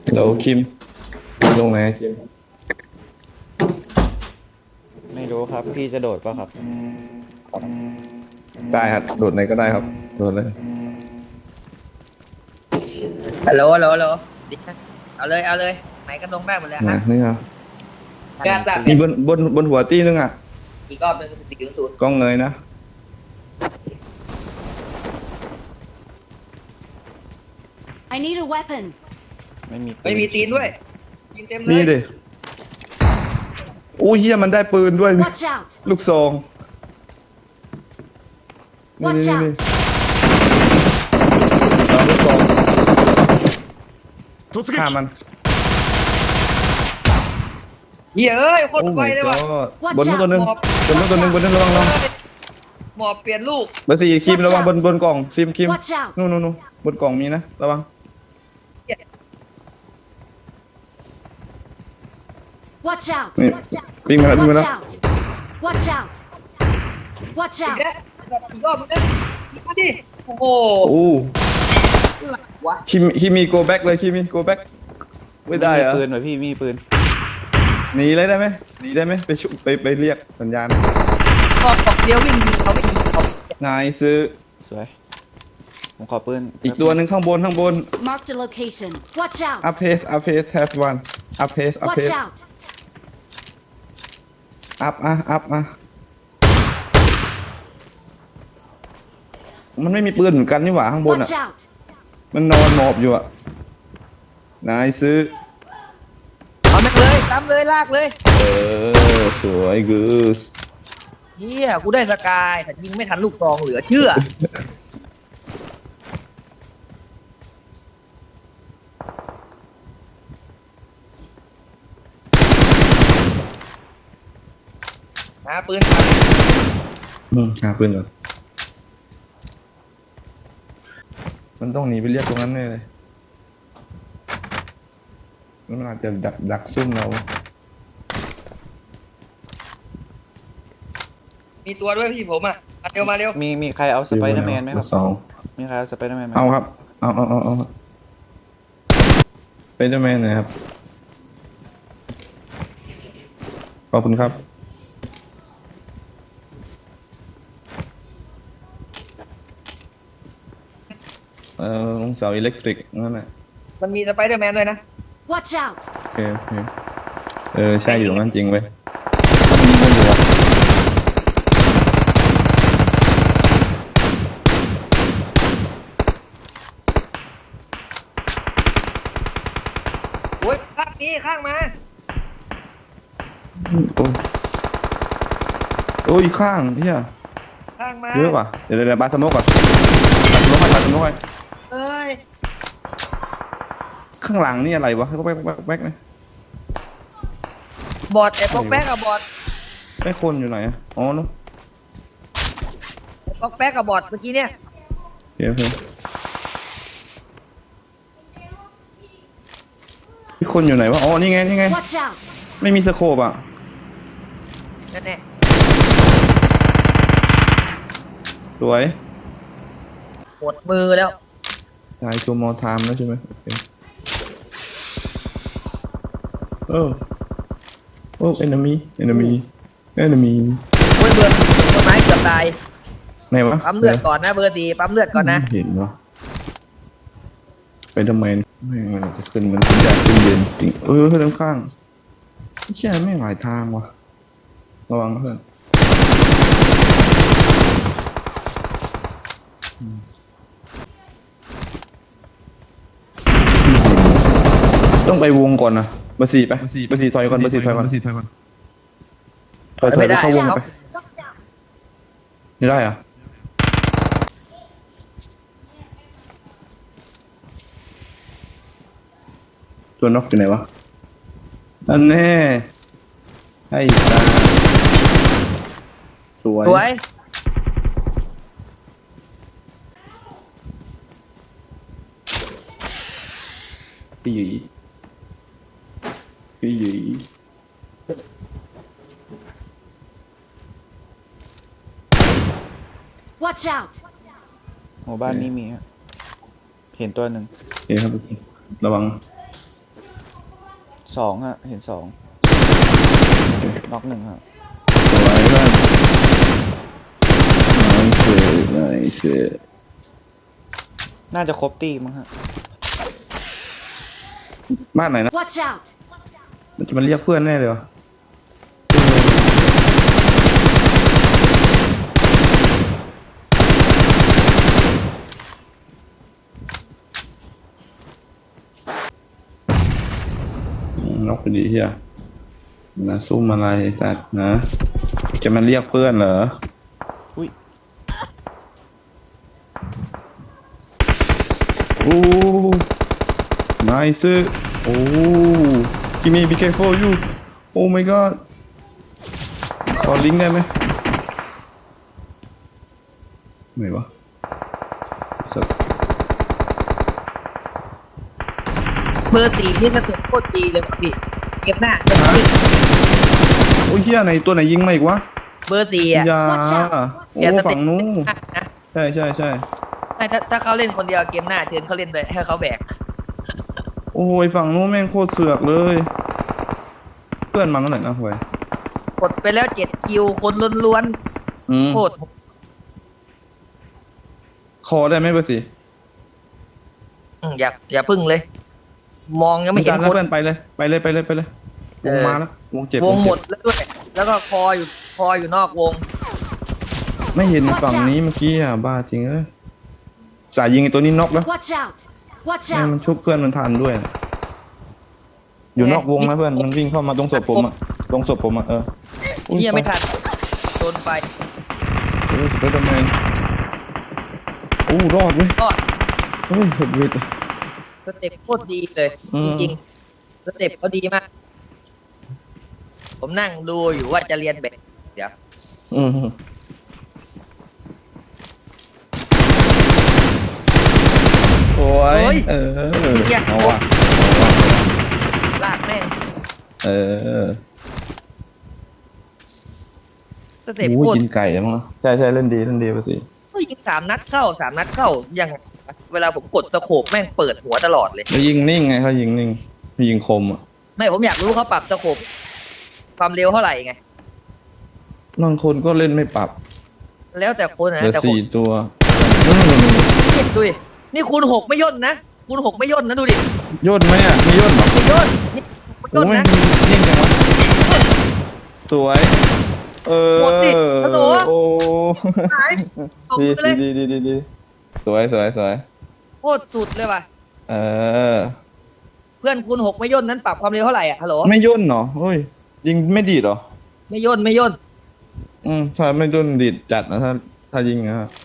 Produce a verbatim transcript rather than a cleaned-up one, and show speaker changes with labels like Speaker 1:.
Speaker 1: เดี๋ยวคิมลงไหนคิม
Speaker 2: ไม่รู้ครับพี่จะโดดป่ะครับ
Speaker 1: ได้ครับโดดไหนก็ได้ครับโดดเลย
Speaker 3: ฮัลโหลฮัลโหลฮัลโหลดิเอาเลยเอาเลยไหนก็ลงได้หมดเลย
Speaker 1: นะ
Speaker 3: ฮะ
Speaker 1: นี่ครับ
Speaker 3: กล้าจับ
Speaker 1: มีบนบนบนหัวตี้นึงอ่ะ
Speaker 3: อีกรอบหนึ่งสี่ศูนย์ศูนย์
Speaker 1: กล้องเงยนะ
Speaker 4: I need a weapon.
Speaker 2: ไม่มี
Speaker 3: ไม่มีตีนด้วยยิงเต็มเลย
Speaker 1: นี่ดิโอ้ยเฮียมันได้ปืนด้วย
Speaker 4: Watch out!
Speaker 1: ลูกซองนี่
Speaker 4: Watch
Speaker 1: นี่นี่
Speaker 4: out!
Speaker 1: เอาลูกซอง
Speaker 5: 突
Speaker 1: ฆ่า
Speaker 5: 撃
Speaker 1: มัน
Speaker 3: เหี้ยเอ้ยโค
Speaker 1: โอ้
Speaker 3: ตรไว
Speaker 1: my
Speaker 3: เลยว่ะ
Speaker 1: god บนนู้นตัวหนึงบนนู้นตัวหนึงบนนู้นระวังระวัง
Speaker 3: หมอบเปลี่ยนลูก
Speaker 1: เบอร์สี่คิมระวังบนบนกล่องซิมคิม
Speaker 4: Watch out!
Speaker 1: นู่นนู่นนู่นบนกล่องมีนะระวัง
Speaker 4: Watch out!
Speaker 1: นี่วิ่งมาแล้ววิ่งมา
Speaker 4: Watch
Speaker 1: แล้ว
Speaker 4: out! Watch out! Watch
Speaker 3: อีก
Speaker 4: out!
Speaker 3: แล้วอีกรอบนึงนะอีกมาดิโอ้โห
Speaker 1: โอ้
Speaker 3: หลักวะ
Speaker 1: คิมคิมมีโกแบ็กเลยคิมมีโกแบ็กไม่ได้
Speaker 2: มี
Speaker 1: เหรอ
Speaker 2: ปืนเหรอพี่มีปืน
Speaker 1: หนีเลยได้ไหมหนีได้ไหมไปชุไปไปเรียกสัญญาณ
Speaker 3: รอบตอกเดียววิ่งยิงเขาไม่ยิงเขา
Speaker 1: นายซื้อ
Speaker 2: สวยผมขอปืน
Speaker 1: อีกตัวหนึ่งข้างบนข้างบน
Speaker 4: Marked a location. Watch out!
Speaker 1: up pace up pace has one up pace up
Speaker 4: Watch
Speaker 1: pace
Speaker 4: out!
Speaker 1: up อ่ะ up อ่ะมันไม่มีปืนเหมือนกันนี่หว่าข้างบนอ่ะ
Speaker 4: Watch out!
Speaker 1: มันนอนหมอบอยู่อ่ะนายซื้อ
Speaker 3: เอาแม่งเลยตามเลยลากเลย
Speaker 1: เออสวยกูส
Speaker 3: เฮียกูได้สกายแต่ยิงไม่ทันลูกซองเหลือเชื่อหาปืนหา
Speaker 1: อืมหาปืนก่อนมันต้องหนีไปเรียกตรงนั้นแน่เลยมันอาจจะดักดักซุ่มเรา
Speaker 3: มีตัวด้วยพี่ผมอ่ะมาเร็วมาเร็ว
Speaker 2: มีมีใครเอาสไปเดอร์แมนไหมครับ
Speaker 1: สอง
Speaker 2: มีใครเอาสไปเดอร์แมนไหม
Speaker 1: เอาครับ เอาเอาเอาเอาเป็นเจ้าแม่หน่อยครับ ขอบคุณครับ เอ่อลงเสาอิเล็กทริกนั่นแหละ
Speaker 3: มันมีสไปเดอร์แมนด้วยนะ
Speaker 4: Watch out!
Speaker 1: โอเคโอเคเออ ใช่อยู่ตรงนั้นจริงเว้ยมีคนอยู่อะ
Speaker 3: โอ้ยข้างนี้ข้างมา
Speaker 1: โอ้ยโอ้ยข้างเฮีย
Speaker 3: ข้างมา
Speaker 1: เยอะว่ะ เดี๋ยวเดี๋ยวเดี๋ยวบาสโมกก่อนบาสโมกไปบาสโมกไป
Speaker 3: เอ้ย
Speaker 1: ข้างหลังนี่อะไรวะก็แบ๊กแบ๊กแบ๊กนะ
Speaker 3: บอดไอ้ป๊อกแป๊กกับบอด
Speaker 1: ไอ้คนอยู่ไหนอะอ๋อเนาะ
Speaker 3: ไอ้ป๊อกแป๊กกับบอดเมื่อกี้เนี่ย
Speaker 1: โอเคโอเคพี่คนอยู่ไหนวะ อ๋อ นี่ไง นี่ไง
Speaker 4: Watch out!
Speaker 1: ไม่มีสโคปอ่ะ
Speaker 3: นั่นแน่
Speaker 1: สวย
Speaker 3: หมดมือแล้ว
Speaker 1: ตายตัวมอไทม์แล้วใช่ไหมโอเคเออโอ้ enemy enemy enemy
Speaker 3: โอ้ยเบื่อต้นไม้เกือบตาย
Speaker 1: ไหนวะ
Speaker 3: ปั๊มเลือดก่อนนะเบอร์สี่ปั๊มเลือดก่อนนะ
Speaker 1: เห็นวะไปทำไมแม่งมันจะขึ้นมันขึ้นยากขึ้นเย็นจริงเออเพื่อนข้างไม่ใช่ไม่งหลายทางวะระวังนะเพื่อนต้องไปวงก่อนนะเบอร์สี่ไปเบอร์สี่ถอยก่อนเบอร์สี่ถอยก่อนถอยถอย
Speaker 3: ไม่
Speaker 1: ไป
Speaker 3: ได้
Speaker 1: เข้าวง
Speaker 3: ครับ
Speaker 1: ไปไม่ได้เหรอะตัวนกอยู่ไหนวะอันแน่ไอ้ตาสวย
Speaker 3: สวย
Speaker 1: พี่หยีพี่หยี
Speaker 4: Watch out!
Speaker 2: หมู่บ้านนี้มีฮะเห็นตัวหนึ่ง
Speaker 1: โอเคครับระวัง
Speaker 2: สองฮะเห็นสองน็อกหนึ่งฮะ
Speaker 1: สวยเพื่อนนายเสือนายเสือ
Speaker 2: น่าจะครบตีมั้งฮะ
Speaker 1: บ้านไหนนะ
Speaker 4: Watch out!
Speaker 1: มันจะมาเรียกเพื่อนแน่เลยวะนกไปดีเฮียนะซุ่มอะไรไอ้สัตว์นะ จะมาเรียกเพื่อนเหรอ
Speaker 2: อุ้ย
Speaker 1: โอ้นายซื้อโอ้กิมี be careful you โอ้ my god ขอลิงก์ได้ไหมไหนวะสัตว์
Speaker 3: เบอร์สี่นี่สเต็ปโคตรดีเลยว่ะพี่เก็บหน้าเก็บหน้า
Speaker 1: โอ้ยเฮียไหนตัวไหนยิงมาอีกวะ
Speaker 3: เบอร์สี่อ่ะ
Speaker 1: อยา
Speaker 4: Watch out
Speaker 1: โอ้
Speaker 3: แกสเต็
Speaker 1: ฝั่
Speaker 3: ป
Speaker 1: งนู้น
Speaker 3: นะ
Speaker 1: ใช่ใช่ใช่
Speaker 3: ไม่ถ้าถ้าเขาเล่นคนเดียวเกมหน้าเชิญเขาเล่นไปให้เขาแบก
Speaker 1: โอ้ยฝั่งนู้นแม่งโคตรเสือกเลย เพื่อนมันเท่าไหร่นะเว้ย
Speaker 3: กดไปแล้วเจ็ดคิวคนล้วน
Speaker 1: อืม
Speaker 3: ๆโคตร
Speaker 1: คอได้ไหมเบอร์สี่
Speaker 3: อืมอย่าอย่าพึ่งเลย มองยังไม่เห็น
Speaker 1: การ
Speaker 3: ค
Speaker 1: แล้ว
Speaker 3: น
Speaker 1: เพื่อนไปเลยไปเลยไปเลยไปเลยว
Speaker 3: เอง อ
Speaker 1: มาแล้ววงเจ็บ
Speaker 3: วงหมด
Speaker 1: เจ็บ
Speaker 3: แล้วด้วย แล้วก็คออยู่คออยู่นอกวง
Speaker 1: ไม่เห็นฝั่งนี้เมื่อกี้อ่ะบ้าจริงเอ้ยสายยิงไอ้ตัวนี้น็อกแล้ว
Speaker 4: Watch out! Watch
Speaker 1: แม่งมัน
Speaker 4: out!
Speaker 1: ชุบเพื่อนมันทันด้วยนะอยู่นอกวงนะเพื่อนมันวิ่งเข้ามาตรงศพผมอ่ะตรงศพผมอ่ะเอออุ้
Speaker 3: เนี่ยไม่ทันโดนไป
Speaker 1: โอ้ยสไปเดอร์แมนโอ้รอดเว้ย
Speaker 3: ก็
Speaker 1: เฮ้ยเห็ดวิด
Speaker 3: สเต็ปโคตรดีเลย
Speaker 1: อืม
Speaker 3: จริงๆสเต็ปเขาดีมาก ผมนั่งดูอยู่ว่าจะเรียนแบบเดี๋ยว
Speaker 1: อืมโอ้ยเออเอาว่ะ
Speaker 3: ลากแม่ง
Speaker 1: เออ
Speaker 3: สเต็ป
Speaker 1: โอ้
Speaker 3: โค
Speaker 1: ย
Speaker 3: ตร
Speaker 1: กินไก่แล้วมั้งใช่ใช่เล่นดีเล่นดีไปสิ
Speaker 3: เฮ้ยยิงสามนัดเข้าสามนัดเข้ายังไงเวลาผมกดสโคปแม่งเปิดหัวตลอดเลย
Speaker 1: แล้วยิงนิ่งไงเขายิงนิ่งยิงคมอ่ะ
Speaker 3: ไม่ผมอยากรู้เขาปรับสโคปความเร็วเท่าไหร่ไง
Speaker 1: บางคนก็เล่นไม่ปรับ
Speaker 3: แล้วแต่คน
Speaker 1: เห
Speaker 3: นะ
Speaker 1: ลือ
Speaker 3: แต่ผม
Speaker 1: สี่ตัวอืม
Speaker 3: เนี่ยดูดินี่คูณหกไม่ย่นนะคูณหกไม่ย่นนะดูดิ
Speaker 1: ย่นไหมอ่ะมีย่นเหรอ
Speaker 3: ไม่ย่นนี่ไม่
Speaker 1: โอ้
Speaker 3: ย่น
Speaker 1: ย
Speaker 3: นะ
Speaker 1: ยิ่งจังวะสวย เออ
Speaker 3: หมดดิฮัลโหล
Speaker 1: โอ้
Speaker 3: หายตบ
Speaker 1: ดี
Speaker 3: ไปเลย
Speaker 1: ดีดีดีดีสวยสวยสวย
Speaker 3: โคตรสุดเลยว่ะ
Speaker 1: เออ
Speaker 3: เพื่อนคูณหกไม่ย่นนั้นปรับความเร็วเท่าไหร่อ่ะฮัลโหล
Speaker 1: ไม่ย่นเหรอเฮ้ยยิงไม่ดีดเหรอ
Speaker 3: ไม่ย่นไม่ย่น
Speaker 1: อืมถ้าไม่ย่นดีดจัดนะถ้าถ้ายิงนะครับ